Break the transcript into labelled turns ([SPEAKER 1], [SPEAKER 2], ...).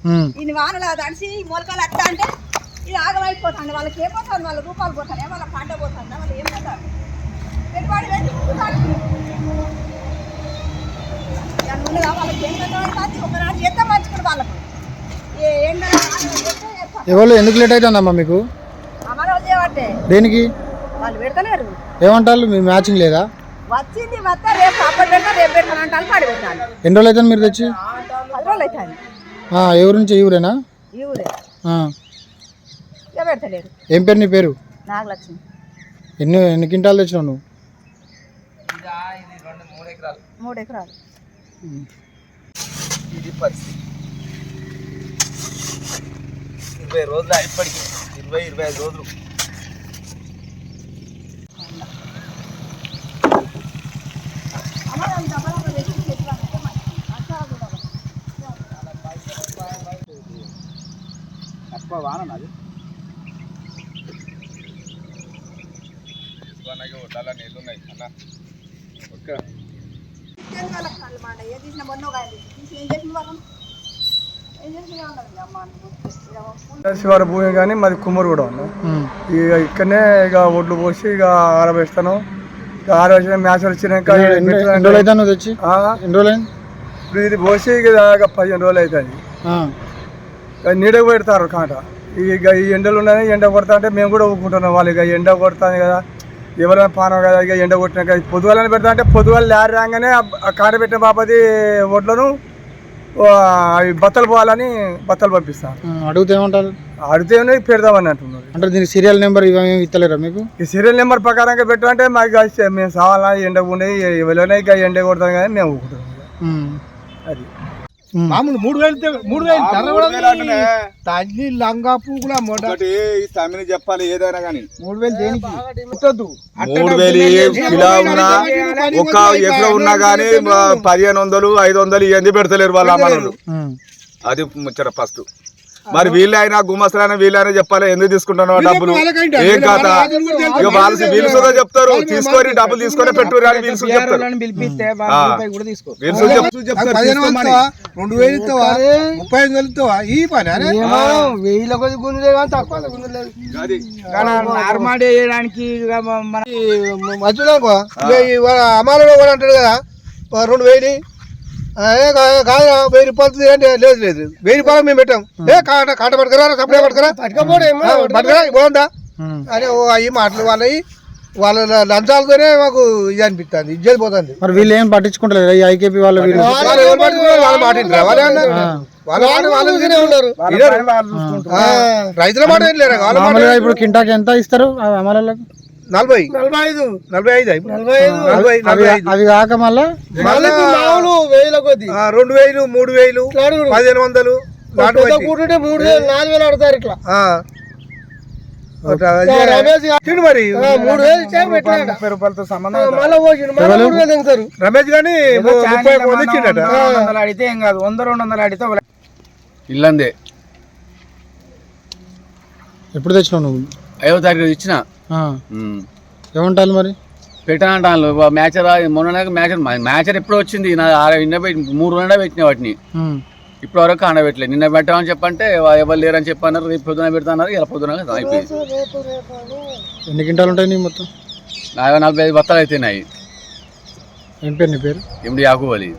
[SPEAKER 1] ఇన్ని వానలు తడిసి మొలకలు వస్తా అంటే ఇది ఆగమైపోతుంది. వాళ్ళకి ఏమవుతుంది, వాళ్ళ రూపాయలు పోతాయి, వాళ్ళ పంట పోతుందా, వాళ్ళు ఏం పోతారు పెట్టుబడి పెట్టి ఉండగా వాళ్ళకి ఏం కట్టబడుతుంది. ఒకనాడు ఎంత మంచుకుని వాళ్ళకు ఎండ
[SPEAKER 2] ఎవరు ఎందుకు లేట్ అవుతుందమ్మా మీకు?
[SPEAKER 1] అమలు చేయబట్టే
[SPEAKER 2] దేనికి
[SPEAKER 1] వాళ్ళు పెడతలేరు.
[SPEAKER 2] ఏమంటారు మీ మ్యాచింగ్ లేదా?
[SPEAKER 1] వచ్చింది మొత్తం రేపు అప్పటి పెడతా రేపు పెడతాను అంటారు. పాడి పెట్టాలి.
[SPEAKER 2] ఎన్ని రోజులు అవుతుంది మీరు తెచ్చి?
[SPEAKER 1] 10 రోజులు అవుతుంది.
[SPEAKER 2] ఎవరి నుంచి? ఈ ఊరేనా?
[SPEAKER 1] ఈ ఊరే పెడతలేరు.
[SPEAKER 2] ఏం పేరు నీ పేరు?
[SPEAKER 1] నాగలక్ష్మి.
[SPEAKER 2] ఎన్ని క్వింటాలు తెచ్చినావు నువ్వు?
[SPEAKER 1] 3 ఎకరాలు.
[SPEAKER 3] ఇది పరిస్థితి 20 రోజులు ఇప్పటికి 20-25 రోజులు. తక్కువ వాన అది వడ్డాల నీళ్ళు ఉన్నాయి అన్న.
[SPEAKER 4] శివార భూమి కానీ మాది కుమ్మరు కూడా ఉంది. ఇక ఇక్కడనే ఇక ఒడ్లు పోసి ఇక ఆరబేస్తాను. ఇక ఆరబేసిన మ్యాచ్ వచ్చినాక
[SPEAKER 2] తెచ్చి
[SPEAKER 4] ఇప్పుడు ఇది పోసి ఇక 15 రోజులు అవుతుంది. నీడకు పెడతారు కాంట. ఇక ఈ ఎండలు ఉన్నాయి, ఎండ కొడతా అంటే మేము కూడా ఊరుకుంటున్నాం. వాళ్ళు ఇక ఎండ కొడతాను కదా, ఎవరైనా పానం కదా, ఇక ఎండ కొట్టినాక పొద్దుగాలని పెడతా అంటే పొద్దుగాలు లారీ రాగానే ఆ కాంట పెట్టిన బాపది ఒడ్లను అవి బత్తలు పోవాలని బత్తలు పంపిస్తాను.
[SPEAKER 2] అడిగితే ఏమంటారు?
[SPEAKER 4] అడిగితే పెడదామని అంటున్నారు.
[SPEAKER 2] అంటే దీనికి సీరియల్ నెంబర్ ఇవేమి ఇస్తలేరా మీకు?
[SPEAKER 4] ఈ సీరియల్ నెంబర్ ప్రకారంగా పెట్టమంటే మాకు మేము సావాలా ఎండ ఉండేవి ఎవరైనా ఇక ఎండ కొడతాం కానీ మేము ఊరుకుంటున్నాం. అది
[SPEAKER 5] మామూలు 3000 తల్లి లంగా పూకులా
[SPEAKER 3] చెప్పాలి ఏదైనా కానీ
[SPEAKER 5] 3000 దేనికి పుట్టద్దు.
[SPEAKER 3] 3000 కిలో ఉన్నా ఒక ఎకరం ఉన్నా కానీ 1500-500 ఇవన్నీ పెడతలేరు వాళ్ళ అమ్మలు. అది ముచ్చట ఫస్ట్. మరి వీళ్ళైనా గుమస్తులైనా వీళ్ళైనా చెప్పాలి ఎందుకు తీసుకుంటున్నావు డబ్బులు ఏం కాదా. ఇక వాళ్ళు వీళ్ళు సుధా చెప్తారు తీసుకొని డబ్బులు తీసుకొని పెట్టుకోరు అని వీళ్ళు చెప్తారు.
[SPEAKER 5] 2000 ఇస్తావా ఈ పని వెయ్యిల కొద్ది గుంజులే కానీ తక్కువ నార్మాడి వేయడానికి అమ్మాయిలో కూడా అంటాడు కదా 2000 కాదు 1000 రూపాయలు అంటే లేదు 1000 రూపాయలు మేము పెట్టాం. కాట పట్టుకురా సప్లై పట్టుకురా బాగుందా అని అవి మాటలు వాళ్ళ లంచాలతోనే మాకు ఇది అనిపిస్తుంది, ఇజ్జతి పోతుంది.
[SPEAKER 2] మరి వీళ్ళు ఏం పట్టించుకుంటారు ఐకేపీ వాళ్ళు?
[SPEAKER 4] వాళ్ళు మాట్లాడారు రైతుల మాట ఏం లేరు.
[SPEAKER 2] ఇప్పుడు కింటాకి ఎంత ఇస్తారు అమలకు?
[SPEAKER 4] 45
[SPEAKER 2] అవి కాక మళ్ళా
[SPEAKER 5] 1000 కొద్ది
[SPEAKER 4] 2000 3000 1500
[SPEAKER 5] 4000 ఆడతారు ఇట్లా.
[SPEAKER 4] మరి
[SPEAKER 5] 3000 రూపాయలతో సంబంధం
[SPEAKER 4] రమేష్ గాని
[SPEAKER 5] అడిగితే ఏం కాదు 100-200 అడిగితే
[SPEAKER 3] ఇల్లందే.
[SPEAKER 2] ఎప్పుడు తెచ్చినావు నువ్వు?
[SPEAKER 3] 5వ తారీఖు ఇచ్చిన.
[SPEAKER 2] ఏమంటారు మరి?
[SPEAKER 3] పెట్టానంటాను మ్యాచర్ మ్యాచర్ ఎప్పుడు వచ్చింది? నా 3 రోజులు పెట్టిన వాటిని ఇప్పటి వరకు ఆడబెట్టలేదు. నిన్న పెట్టామని చెప్పంటే ఎవరు లేరని చెప్పన్నారు. రేపు పొద్దున పెడతాన్నారు. ఇలా పొద్దున అయిపోయింది.
[SPEAKER 2] ఎన్ని క్వింటాలు ఉంటాయి నీ మొత్తం?
[SPEAKER 3] 45 బత్తాలు అయితేనాయి.
[SPEAKER 2] ఏం పేరు నీ పేరు?
[SPEAKER 3] ఎండి యాకూబ్ అలీ.